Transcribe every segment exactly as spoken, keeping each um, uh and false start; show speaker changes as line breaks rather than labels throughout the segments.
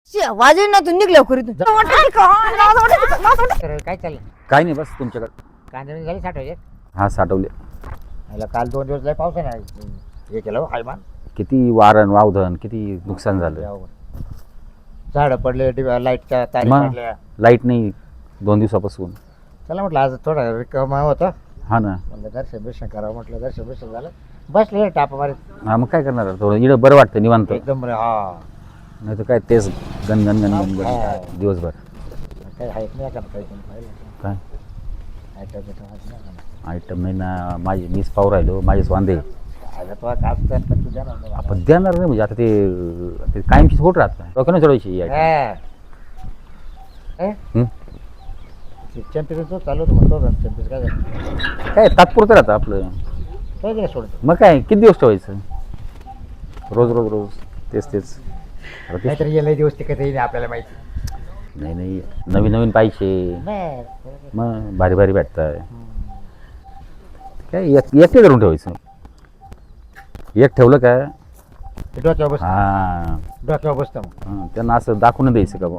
वाजे ना तू निघल्या खोरीतून
काय चाललं?
काय नाही, बस तुमच्याकडे
कांदे झाले साठवायचे.
हा साठवले.
मला काल दोन दिवस लय पाऊस आहे ना, हे केलं हो हायमान.
किती वारण वावधन, किती नुकसान झालं.
झाडं पडले, लाईटच्या तारी
मग
पडल्या.
लाईट नाही दोन दिवसापासून.
चला म्हटलं आज थोडा रिकामा होता,
हा ना.
म्हणलं दर्शन बिर्शन करावं. म्हटलं दर्शन बिर्शन झालं, बसले टापा मारीत.
हा मग काय करणार, थोडं इकडं बरं वाटतं निवांत.
एकदम बरं. हा
नाही तर काय तेच गन गन गन गन
हा.
गन दिवसभर.
काही आहेत नाही का काही पण पाहिलं
काय
आयटम बिटम आहेत नाही का?
आयटम नाही ना, माझे मीच पाहू राहिलो, माझेच वांदे.
आता तो आता असतं पण तू देणार नाही मला.
आपण देणार नाही म्हणजे आता ते ते कायमचीच होत राहत नाही. डोक्यानं चढवायची ही item.
हा. हे?
हं?
ते चॅम्पियनचं चालू होतं मग तो चॅम्पियन काय झालं?
काय तात्पुरतं राहतं आपलं.
काय दिलं सोडतो?
मग काय किती दिवस ठेवायचं, रोज रोज रोज तेच तेच. आता तेच-
नाहीतर गेले दिवस ते कसं येईल आपल्याला माहिती
नाही नाही, नवीन नवीन पाहिजे.
नाही.
मग भारी भारी भेटताय. काय एक एकटे करून ठेवायचं. एक ठेवलं काय
ते डोक्यावर बसतं.
हा
डोक्यावर बसतं मग.
हा, त्यांना असं दाखवून द्यायचं का बुवा.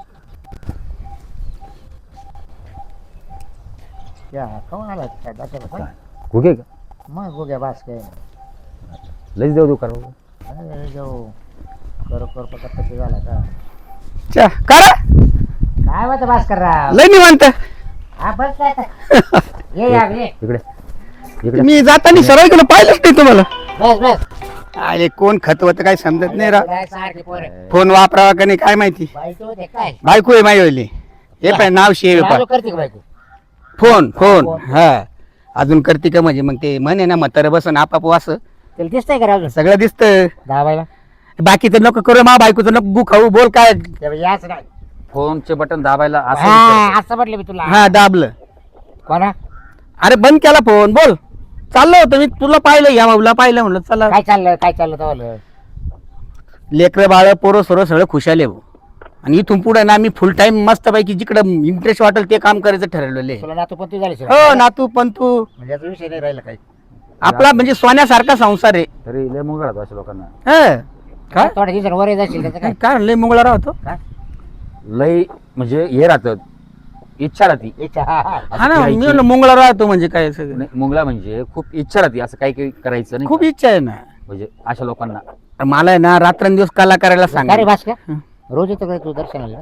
क्या खाऊन आला काय डोक्यावर काय?
घुगे का
मग गोग्या बास काय
लईच देऊ देऊ करा.
अरे जाऊ करो करो पका पक्की झाला का
चा करा
काय होतं बास कर राव?
लय निवांत.
हा बस काय आता. ये या ये
इकडे इकडे
मी जाताना सरळ गेलो, पाहिलंच नाही तुम्हाला.
बस बस.
अरे कोण खतवत काय समजत नाही राव.
काय सारखी पोरं.
फोन वापरावा का नाही काय माहिती.
बायको होते काय?
बायको आहे माझी होईल हे पाय नाव शेव पा
चालू करते का बायको?
फोन फोन हा अजून करते का म्हणजे मग ते म्हणे ना म्हातारं बसन आपाप वास
त्याला दिसतंय का राव?
सगळं दिसतं.
दाबायला
बाकीचं नको करू मा बायकोचं नको गु खाऊ बोल काय.
त्यावेळी याच नाही.
फोनचे बटन दाबायला असं
हा
विचारायचं.
असं म्हटलं मी तुला.
हा दाबलं.
कोणा
अरे बंद केला फोन बोल. चाललो होतं मी तुला पाहिलं या बाबूला पाहिलं म्हणलं चला.
काय चाललं काय चाललं तवालं?
लेकरं बाळ पोरं सोरं सगळं खुशाले भाऊ. आणि इथून पुढे ना मी फुल टाइम मस्त पैकी जिकडं इंटरेस्ट वाटेल ते काम करायचं ठरवलेलं आहे.
तुला नातू पण तू झाली
हो नातू पण तू
म्हणजे याचा विषय नाही राहिला काही.
आपला म्हणजे सोन्यासारखा संसार आहे.
तरी लय मुंग राहतो अशा लोकांना.
हं. काय
थोड्या दिवसात वर जाशील त्याचं काय?
काय लय मुंगळा राहतो.
काय?
लय म्हणजे हे राहतं, इच्छा राहती.
इच्छा, हा, हा.
हा ना मी
फिरायची.
म्हणलं मुंगळा राहतो म्हणजे काय सगळं.
नाही, मुंगला म्हणजे खूप इच्छा राहते असं काही काही करायचं नाही
खूप
का?
इच्छा आहे ना.
म्हणजे अशा लोकांना
मला आहे ना रात्रंदिवस कला करायला सांग.
अरे भास का रोज येतो का तू दर्शनाला?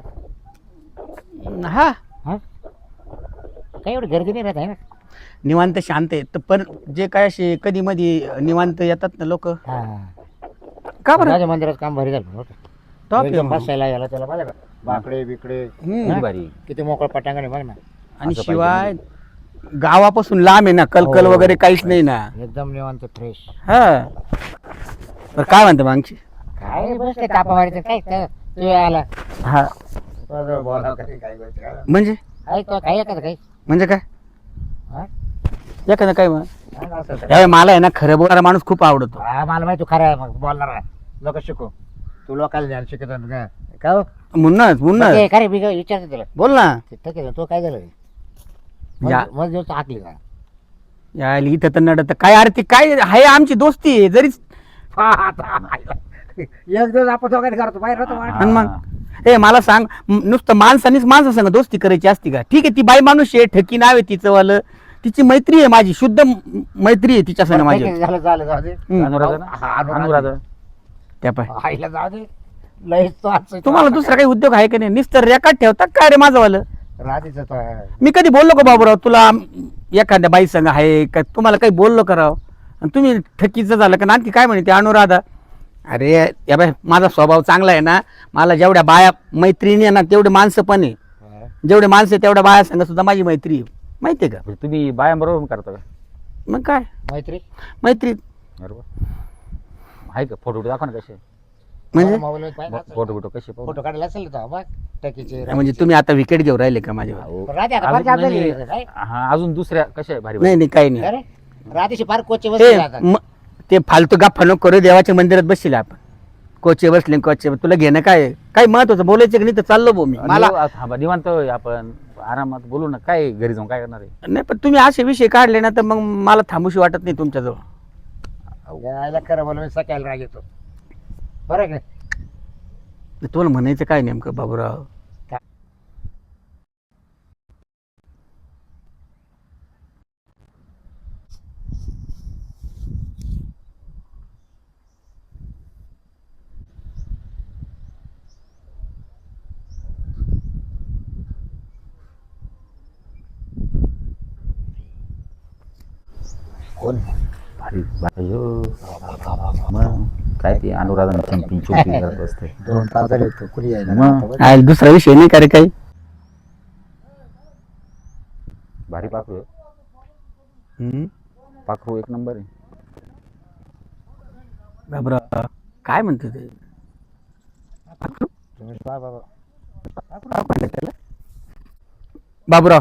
हा
हा? काही एवढी गर्दी नाही राहत आहे ना.
निवांत शांत आहे तर पण जे काय असे कधी मधी निवांत येतात ना लोक
हा.
का बरं
राजा मंदिरात काम भारी झालं बरं का?
टॉप
एकदम
आहे.
बसायला याला त्याला पाहिलं का बाकडे बिकडे
हम्म.
किती भारी.
किती मोकळ पटांगण आहे बघ ना.
आणि
असं
शिवाय गावापासून लांब आहे ना कलकल
हो.
वगैरे काहीच नाही ना.
एकदम निवांत फ्रेश.
हा बरं काय म्हणते मागची
काय बस काय तापा मारायचं काय काय तू आला
हा
बोला काय काय गोष्ट काय
म्हणजे
आहे तो काय एखादं काही
म्हणजे काय
हा?
एखादं काय म्हण
हा, असं तर.
यावेळी मला आहे ना खरं बोलणारा माणूस खूप आवडतो.
हा, मला माहिती तू खरं मग बोलणार लोक शिकू तू लोकांना ज्ञान शिकत का का हो?
मुन्नच
मग
मुन्नच
ते खरे मी काय विचारतो तुला
बोल ना.
ठीक आहे तो काय झालं
या.
मग दिवस हाकली का
यायला इथं तर नडत काय अरे ती काय आहे आमची दोस्ती आहे जरी.
एक दिवस आपण दोघांनी करतो बाहेर होतो
आणि मग ए मला सांग म- नुसतं माणसानीच माणसा संग दोस्ती करायची असती का. ठीक आहे ती बाई माणूस आहे ठकी नाव आहे तिचं वालं तिची मैत्री आहे माझी शुद्ध म- मैत्री आहे तिच्या संग माझी.
झालं झालं जाऊ दे
हम्म.
अनुराधा ना?
हा, अनुराधा.
अनुराधा.
त्या पाय
आईला जाऊ दे लयच तो आज
तुम्हाला दुसरा काही उद्योग आहे का नाही नुसतं रेकॉर्ड ठेवतात काय रे माझं वालं.
राधीचा तो आहे.
मी कधी बोललो का बाबूराव तुला एखाद्या बाई संग आहे का तुम्हाला काही बोललो कराव आणि तुम्ही ठकीचं झालं का आणखी काय म्हणते अनुराधा. अरे या बाय माझा स्वभाव चांगला आहे ना. मला जेवढ्या बाया मैत्रिणी आहे ना तेवढे माणसं पण आहे.
हा.
जेवढे माणसं आहे तेवढ्या बाया संग सुद्धा माझी मैत्री आहे माहिती आहे का.
म्हणजे तुम्ही बायांबरोबर करता का?
मग काय
मैत्री
मैत्री
बरोबर आहे का? फोटो दाखवा ना कसे.
म्हणजे
मोबाईल पाहिजे
फोटो फोटो कसे पाहू?
फोटो काढला असेल तो मग टकीचे
म्हणजे तुम्ही आता विकेट घेऊन राहिले का माझ्या.
अहो,
राधे आता
अजून
फार जागलेली
नाही,
आहे, काय?
हा अजून दुसऱ्या कशा आहे भारी
नाही नाही काही नाही.
अरे राधेशी फार कोचे
ते
बसले आता
म- ते फालतू गप्पा नको करू देवाच्या मंदिरात बसले आपण कोचे बसले कोचे तुला घेणं काय आहे? काय महत्वाचं बोलायचं की नाही तर चाललो भाऊ मी मला
मला थांबा निवांत आहे आपण आरामात बोलू ना. काय घरी जाऊन काय करणार आहे?
नाही पण तुम्ही असे विषय काढले ना तर मग मला थांबूशी वाटत नाही तुमच्याजवळ.
यायला खरं बोल मी सकाळी राग येतो बरं आहे की नाही?
तुम्हाला म्हणायचं काय नेमकं बाबूराव?
कोण
भारी अयो मग काय ते अनुराधा चंपी चोपी करत असते.
दोन तास झाले होते कुणी यायला
मग.
आ, दुसरा विषय नाही का रे काही?
भारी पाखरू आहे.
हम्म?
पाखरू एक नंबर आहे.
बाबूराव काय म्हणतो ते?
तुम्ही पहा बाबा.
बाबूराव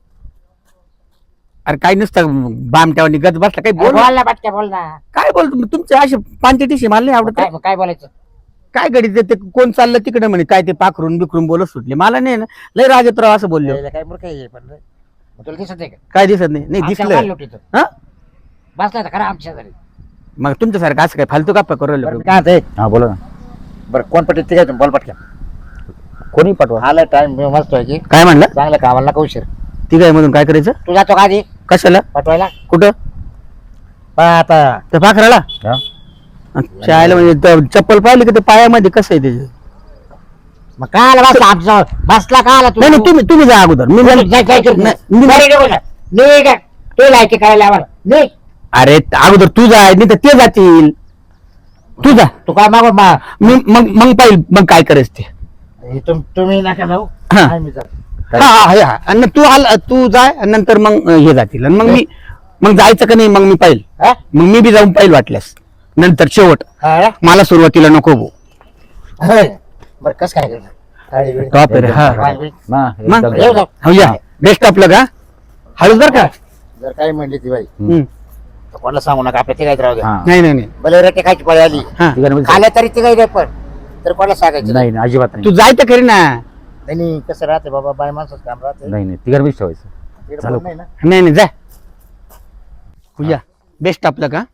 अरे काय नुसतं बामट्यावर गज बसला काही बोल.
बोल ना पटक्या बोल ना.
काय बोलतो तुमचे असे पांचटीशी मला नाही आवडत.
काय काय बोलायचं?
काय गडी ते कोण चाललं तिकडे म्हणे काय ते पाखरून बिखरून बोलत सुटले. मला नाही ना लय राजतराव असं बोलले.
यायला काय मूर्ख आहे पण रे. मग तुला दिसत नाही का?
काय दिसत नाही? नाही दिसलं.
दिसलं
हा
बसला तर खरा आमच्या घरी.
मग तुमच्यासारखं असं काय फालतू का करू
बरं,
राहिलो?
मी काय म्हणते,
हा बोला ना.
बरं कोण पटेल ते काय तुम्ही बोल पटक्या.
कोणी पाठवा.
आला टाइम मस्त आहे की
काय म्हणलं?
चांगलं कामाला नका उशीर.
ती काय मधून काय करायचं?
तू जातो का आधी
कशाला?
पाठवायला?
कुठं?
पहा आता
त्या पाखराला
हा?
शाळेला म्हणजे त- चप्पल पाहिली की ते पायामध्ये कसं आहे त्याचे?
मग काय आला बसला आमचा बसला का आला तू?
नाही नाही तुम्ही तुम्ही जा अगोदर. मी
जाय,
जाईन.
जाय, जाय, जाय.
नाही, मी
बरं,
जाईन.
निघ, निघ. निघ. तू लायकी करायला आम्हाला निघ.
अरे अगोदर तू जाय नाही तर ते जातील. तू जा.
तू काय मागो मा
मी मग मग पाहिजे मग काय करायचं ते.
हे तुम- तुम्ही नका जाऊ.
हा.
काय मी जातो.
हा हा हा, हा आणि तू आला तू जाय आणि नंतर मग हे जातील आणि मग मी मग जायचं का नाही मग मी पाहिल.
हा?
मग मी बी जाऊन पाहिल वाटल्यास नंतर शेवट.
हा?
मला सुरुवातीला नको भाऊ.
होय. बरं कस काय करणार? काय वेळ?
टॉप आहे रे, हा.
काय वेळ?
ना
मग?
एकदम.
येऊ जाऊ.
हो या बेस्ट आपलं का हळूच बर का.
जर काय म्हणली ती बाई
हम्म.
तर कोणाला सांगू नका आपल्या तिघायत राहू द्या.
हा.
नाही नाही नाही
भले रेटे खायची पळी आली
हा
तिघांमध्ये-
खाल्या तरी तिघाई रे पण तर कोणाला सांगायचं
नाही नाही, अजिबात
तू
नाही.
जाय तर खरी ना.
नाही नाही, कसं राहते बाबा बाय माणसाचं काम राहते.
नाही नाही तिघांमध्ये ठेवायचं.
तिकडे
चालू.
कोण नाही ना.
नाही नाही जाय. हो या बेस्ट आपलं का.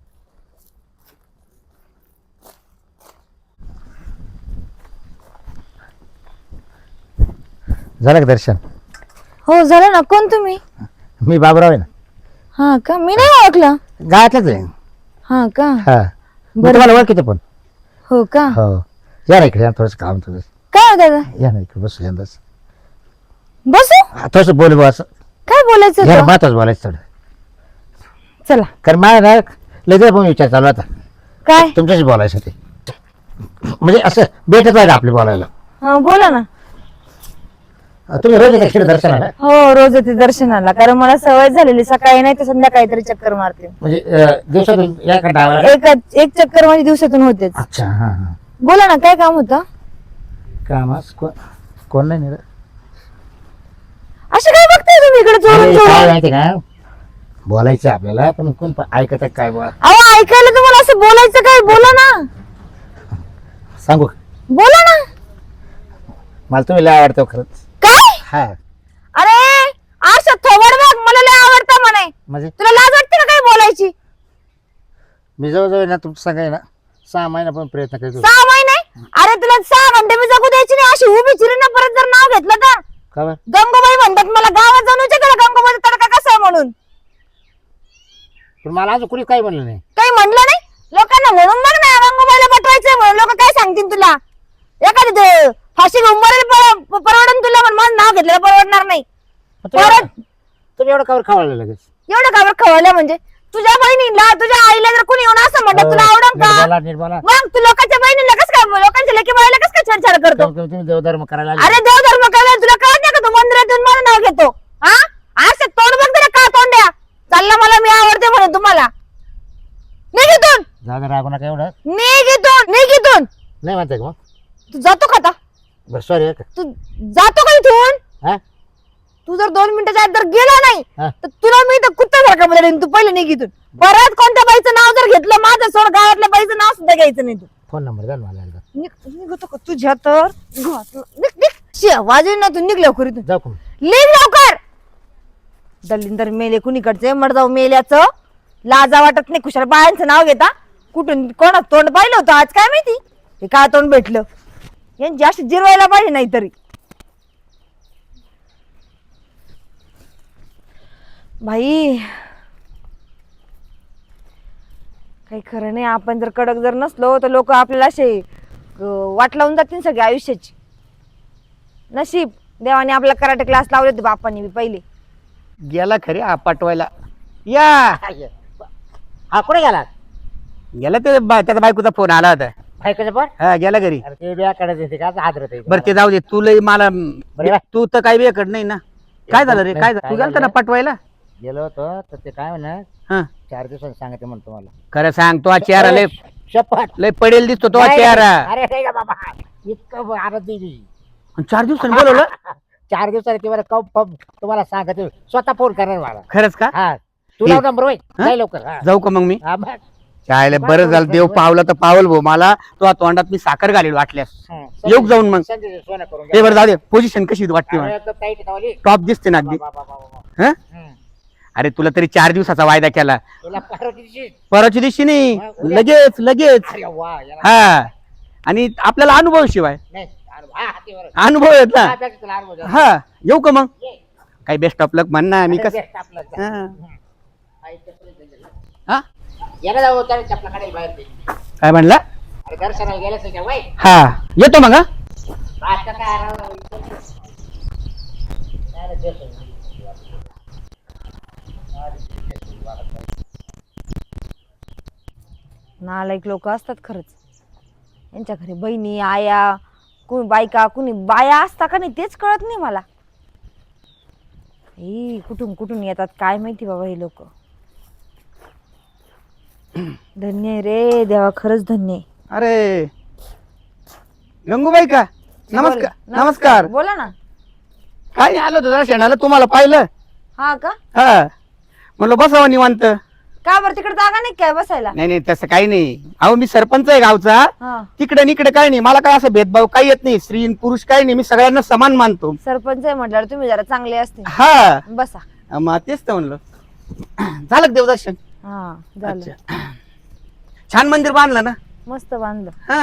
झालं का दर्शन?
हो झालं ना. कोण तुम्ही?
मी बाबराव आहे ना.
हा का? मी नाही ओळखलं.
गावातलाच आहे.
हा का?
हा मी
बरं.
तुम्हाला ओळखीतो पण.
हो का?
हो या ना इकडे या थोडंसं काम तुझं.
काय हो दादा?
या ना इकडे बसू यंदाच
बसू.
थोडंसं बोल बा असं.
काय बोलायचं
या
होतं?
महत्वाचं बोलायचं थोडं.
चला.
कारण मला ना लगेच पण विचार चालू होता
काय?
तुमच्याशी बोलायचं ते म्हणजे असं भेटत आहे आपले बोलायला.
हा बोला ना.
तुम्ही रोज येता इकडे दर्शनाला?
हो रोज येते दर्शनाला कारण मला सवय झालेली सकाळी नाही तर संध्याकाळी तरी चक्कर मारते.
म्हणजे अं, दिवसातून या का डावाला?
एक एक चक्कर माझी दिवसातून होतेच.
अच्छा हा हा
बोला ना काय काम होतं?
कामास कोण कोण नाही नेलं?
असं काय बघताय तुम्ही इकडे चोरून
अरे, काय
चोरून?
माहिती का बोलायचं आपल्याला पण कोण प- ऐकत आहे काय बोला
अहो ऐकायला तुम्हाला असं बोलायचं काय? बोला ना.
सांगू
बोला ना.
मला तुम्ही लय आवडतो खरंच.
काय?
हा
अरे असं थोबड बघ मला लय आवडतं म्हणे.
म्हणजे
तुला लाज वाटते ना काय बोलायची?
मी जवळजवळ ना तुमचं सांगाय ना सहा महिना पण प्रयत्न करतो.
सहा महिने? अरे तुला सहा घंटे मी जगू द्यायची नाही अशी उभी चिरी ना परत जर नाव घेतलं तर.
का बरं?
गंगूबाई म्हणतात मला गावात जाऊन विचार गंगूबाईचा तडका कसा आहे म्हणून.
पण मला अजून कुणी काही म्हणलं नाही.
काही म्हणलं नाही लोकांना म्हणून बघ ना गंगूबाईला पटवायचंय म्हणून लोक काय सांगतील तुला. एखादी ते फाशी घेऊन मरेल पर- परवडन तुला पण माझं नाव घेतलेलं परवडणार नाही.
पण तुम्ही
परत
एवढं- तुम्ही एवढं कावर खावलं लगेच?
एवढं कावर खवळलं म्हणजे तुझ्या बहिणीला तुझ्या आईला जर कोणी येऊन असं म्हणलं तुला आवडन का?
निर्मला निर्मला
मग तू लोकांच्या बहिणीला कस काय लोकांच्या लेकी बाईला कस काय छेडछाड करतो?
तुम्ही तुम्ही देवधर्म करायला आले.
अरे देव धर्म करायला तुला कळत नाही का तू मंदिरात येऊन मला नाव घेतो? हा असं तोंड बघ तरी का तोंड्या चालला मला मी आवडते म्हणून तुम्हाला. निघितून
जागा रागू नका एवढं.
निघितून निघितून
नाही म्हणताय का मग?
तू जातो का आता?
बरं सॉरी
तू जातो का इथून?
हा
तू जर दोन मिनिटाच्या आत जर गेला नाही
हा.
तर तुला मी तर कुत्त्यासारखा बदलेन. तू पहिले निघितून. परत कोणत्या बाईचं नाव जर घेतलं माझं सोड गावातल्या बाईचं नाव सुद्धा घ्यायचं नाही तू.
फोन नंबर द्या ना मला एकदा.
निघ- निघतो का तुझ्या तर घातलं. निघ निघ शी, वाजवी ना तू निघ लवकर इथून.
जाऊ का?
निघ लवकर. दलिंदर मेले कुणीकडचे मडजाव मेल्याचं लाजा वाटत नाही. कुशाल बायांचं नाव घेता कुठून कोणा तोंड पाहिलं होतं आज काय माहिती हे काय तोंड भेटलं. यांची अशी जिरवायला पाहिजे नाहीतरी. भाई काही खरं नाही. आपण जर कडक जर नसलो तर लोक आपल्याला असे अं, वाट लावून जातील सगळ्या आयुष्याची. नशीब देवाने आपला कराटे क्लास लावले होते बापाने बी पहिले.
गेला खरे हा पाठवायला. या
हा कुठे गेला?
गेला ते बा- त्याचा बायकोचा फोन आला होता.
बायकोचं पण?
हा गेला घरी.
अरे ते बियाकडे देते का हादरत आहे.
बरं ते जाऊ दे. तू लय मला
बरं बाय.
तू तर काही वेळ नाही ना. काय झालं रे? काय झालं? तू गेलता ना पाठवायला?
गेलो होतो तर ते काय म्हणा
हा
चार दिवसांनी सांगते म्हणतो मला.
खरं सांग तो चेहरा लय
शपथ
लय पडेल दिसतो तो
नाही,
चेहरा.
अरे नाही का बाबा इतकं आनंद दिली.
आणि चार दिवसांनी बोलवलं.
चार दिवसांनी ते मला कम कम तुम्हाला सांगते स्वतः फोन करणार मला.
खरंच का?
हा तुला
ठीक.
नंबर होय
हा?
नाही लवकर. हा.
जाऊ का मग मी?
हा, बस.
चायला बरं झालं. देव पावला तर पावल भाऊ. मला तो तोंडात मी साखर घालेल वाटल्यास.
हा.
येऊ जाऊन मग.
संजय सोनं करून
हे
घ्या.
बरं जाऊ दे. पोझिशन कशी वाटते
अरे,
मला?
एकदम tight आहे तवाली.
टॉप दिसते ना अगदी.
बा, बा, बा, बा, बा.
हं?
हम्म.
अरे तुला तरी चार दिवसाचा वायदा केला.
तुला परवाच्या दिवशी
परवाच्या दिवशी नाही.
हा, उद्या.
लगेच लगेच.
अरे वा याला-
हा आणि आपल्याला अनुभव शिवाय
नाही अरे वा, हा, ते बरं.
अनुभव येत ना.
हा, त्याचं तुला अनुभव झाला.
हा येऊ का मग?
ये.
काही बेस्ट ऑफ लक म्हण ना. मी
अरे,
कसं
best आपलं.
हा.
हा, इथं पर्यंत गेला.
हा?
याला जाऊ त्याला चपला काढायला बाहेर दे.
काय म्हणला?
अरे दर्शनाला गेल्याच का वय
हा येतो मग. हा
आता काय राव, इथं- काय रे, देतो.
नालायक लोक असतात खरंच. यांच्या घरी बहिणी आया कोणी बायका कोणी बाया असता का नाही तेच कळत नाही मला. ए कुठून कुठून येतात काय माहिती बाबा हे लोक. धन्य आहे रे देवा खरंच धन्य आहे.
अरे गंगूबाई का? नमस्कार नमस्कार.
बोला ना.
काय नाही आलो होतो दर्शनाला. तुम्हाला पाहिलं.
हा का?
हा म्हणलं बसावं निवांत.
का बरं तिकडे जागा नाही काय बसायला?
नाही नाही तसं काही नाही. अहो मी सरपंच आहे गावचा.
हा
तिकडे निकडे काही नाही. मला काय असं भेदभाव काही येत नाही. स्त्री पुरुष काही नाही. मी सगळ्यांना समान मानतो.
सरपंच आहे म्हटल्यावर तुम्ही जरा चांगले असते.
हा
बसा.
मग तेच तर म्हणलं. झालं का देवदर्शन?
हा झालं.
अच्छा. छान मंदिर बांधलं ना.
मस्त बांधलं.
हा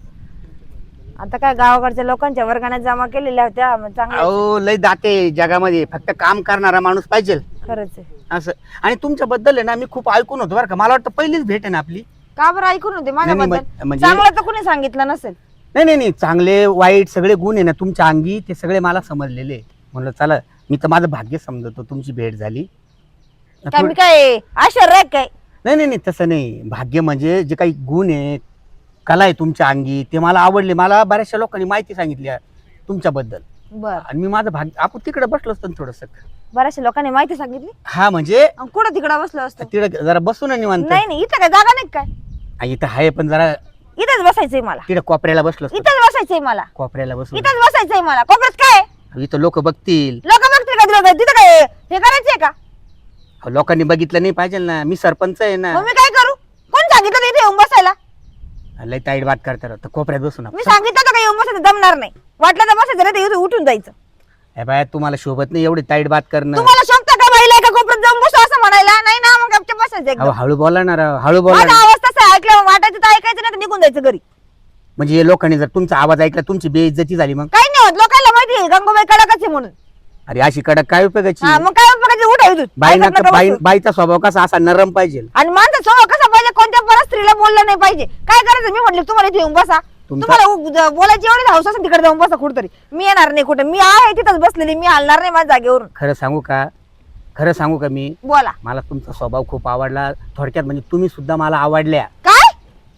आता काय गावाकडच्या लोकांच्या वर्गाने जमा केलेल्या होत्या मग चांगलं.
अहो लय दाते जगामध्ये. फक्त काम करणारा माणूस पाहिजे
खरंच आहे.
असं. आणि तुमच्याबद्दल आहे ना मी खूप ऐकून होतो बरं का. मला वाटतं पहिलीच भेट आहे ना आपली.
का बरं ऐकून होते
नाही, नाही,
माझ्याबद्दल?
म्हणजे-
चांगलं तर कुणी सांगितलं नसेल.
नाही नाही नाही चांगले वाईट सगळे गुण आहे ना तुमच्या अंगी. ते सगळे मला समजलेले. म्हणलं चला मी तर माझं भाग्य समजतो तुमची भेट झाली.
काय मी काय आश्चर्य काय?
नाही नाही नाही तसं नाही. भाग्य म्हणजे जे काही गुण आहे कला आहे तुमच्या अंगी ते मला आवडले. मला बऱ्याचशा लोकांनी माहिती सांगितली आहे तुमच्याबद्दल.
बर
आणि मी माझं भाग्य आपण तिकडे बसलो असतो थोडस.
बऱ्याचशा लोकांनी माहिती सांगितली.
हा म्हणजे
अन कुठं तिकडं बसलो असतो?
तिकडे जरा बसू ना निवांत.
नाही नाही इथं काय जागा नाही काय?
आ, इथं आहे पण जरा
इथंच बसायचंय मला.
तिकडे कोपऱ्याला बसलो असतो.
इथंच बसायचंय मला.
कोपऱ्याला बसू.
इथंच बसायचंय मला. कोपऱ्यात काय
इथं लोक बघतील.
लोक बघतील का तिला? तिथं काय हे करायचंय का?
अहो, लोकांनी बघितलं नाही पाहिजे ना. मी सरपंच आहे ना.
मग मी काय करू? कोण सांगितलं इथे येऊन बसायला?
लय ताईट बात करता राहतं. कोपऱ्यात बसू ना.
मी सांगितलं होतं का येऊन बसायचं दमणार नाही. वाटलं तर बसायचं नाही तर इथे उठून जायचं.
हे बाय तुम्हाला शोभत नाही एवढी ताईट बात करणं.
तुम्हाला शोभतं का बाईला एका कोपऱ्यात जाऊन बसू असं म्हणायला? नाही ना मग गपचूप बसायचं
अहो
एकदम.
हळू बोला ना राव, हळू बोला
माझा
ना.
आवाज तसा ऐकल्यावर वाटायचं तर ऐकायचं नाही तर निघून जायचं घरी.
म्हणजे हे लोकांनी जर तुमचा आवाज ऐकला तुमची बेइज्जती झाली मग.
काही नाही होत. लोकांना माहिती आहे गंगूबाई कडकच आहे म्हणून.
अरे अशी कडक काय उपयोगाची?
हा मग काय उपयोगाचं? उठा इथून.
बाईना
ऐकत नका
बाई
बसू.
बाईचा स्वभाव कसा असा नरम पाहिजे.
आणि माणसं स्वभाव कसा पाहिजे? कोणत्या परत स्त्रीला बोललं नाही पाहिजे. काय करायचं? मी म्हटलं तुम्हाला इथे येऊन बसा.
तुमचा-
तुम्हाला उ- ज- बोलायची एवढी हौस असेल तिकडे जाऊन बसा कुठतरी. मी येणार नाही कुठे. मी आहे तिथंच बसलेली. मी हलणार नाही माझ्या जागेवरून.
खरं सांगू का? खरं सांगू का मी
बोला.
मला तुमचा स्वभाव खूप आवडला. थोडक्यात म्हणजे तुम्ही सुद्धा मला आवडल्या.
काय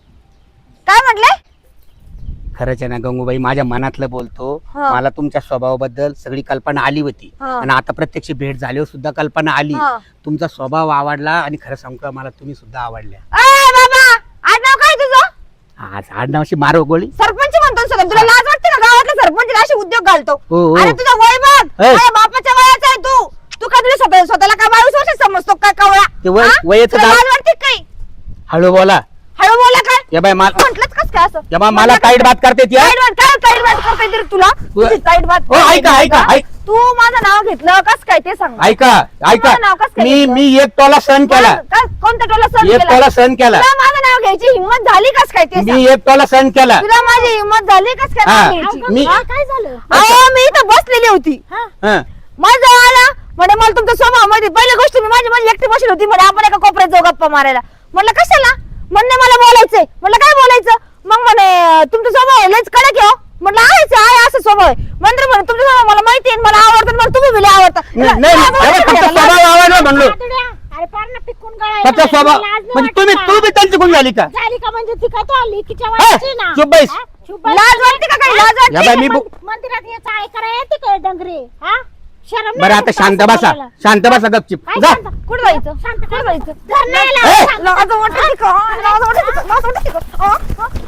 काय म्हटले?
खरंच आहे ना गंगूबाई माझ्या मनातलं बोलतो.
हा.
मला तुमच्या स्वभावाबद्दल सगळी कल्पना आली होती.
हा.
आणि आता प्रत्यक्ष भेट झाल्यावर सुद्धा कल्पना आली.
हा.
तुमचा स्वभाव आवडला आणि खरं सांगू का मला तुम्ही सुद्धा आवडल्या.
अय बाबा आडनाव काय तुझं?
आज आडनावाशी मारो गोळी.
सरपंच म्हणतो ना सगळं. तुला लाज वाटते ना? गावातला सरपंच असे उद्योग घालतो.
हो, हो.
अरे तुझं वय बघ.
ए.
माझ्या बापाच्या वयाचा आहे तू. तू का तुला स्वतः स्वतःला का बावीस वर्ष समजतो का कवळा?
ते वय-
हा?
वयाचं
तुला
दाब-
लाज वाटते का काही?
हळू बोला.
हळू बोला काय?
या बाय मला
म्हटलंच कस काय असं?
या बा मला ताईट बात करते ती, हा?
ताईट बात काय ताईट बात करता येते रे तुला? तुझी ताईट बात
हो ऐका ऐका ऐक
तू माझं नाव घेतलं कस काय ते सांग.
ऐका ऐका
माझं नाव कसं काय
मी
घेतलं?
मी एक टोला सहन केला
माझं- काय- कोणत्या टोला सहन
एक
केला?
टोला सहन केला
तुला माझं नाव घ्यायची हिंमत झाली कस काय ते सांग.
मी एक टोला सहन केला
तुला माझी हिंमत झाली कस काय
हा.
नाव घ्यायची?
मी-
हा?
काय झालं
अहो मी इथं बसलेली होती
हं.
माझा आला म्हणजे मला तुमचा स्वभाव माहिती. पहिली गोष्ट मी माझी माझी एकटी बसली होती म्हणजे आपण एका कोपऱ्यात जाऊ गप्पा मारायला. म्हणलं कशाला म्हणणे मला बोलायचंय. म्हणलं काय बोलायचं मग म्हणे तुमचा स्वभाव आहे लयच कडक आहे हो. म्हटलं आहेच आहे असं स्वभाव आहे. म्हणलं म्हणे तुमचा स्वभाव मला माहिती आहे मला आवडतं मला तुम्ही बिले आवडता.
नाही नाही, अरे फक्त स्वभाव आवडला म्हणलो
तातड्या, अरे पार ना पिकून गळायला
फक्त स्वभाव
लागला. लाज नाही
म्हणजे तुम्ही
वाटत
तू
का?
बी त्यांची गुण झाली का
झाली का म्हणजे ती काय तो आली तिच्या
हा,
वयाची ना
चुप बैस.
हा? चुप बैस.
लाज वाटते का काही लाज
या बाई
वाटते?
मी बो-
मं- मंदिरात याचा ऐकायला येते काय डंगरे हा शरम नाही
बरं आता
वाटत
शांत
असं
बसा
बोलायला?
शांत बसा गपचिप
काय
जा
शांत?
कुठं जायचं
शांत
कुठं जायचं
घर नाही
ए!
लावत.
लाज वाटते का लाज वाटते का लाज वाटते का? हा? हा?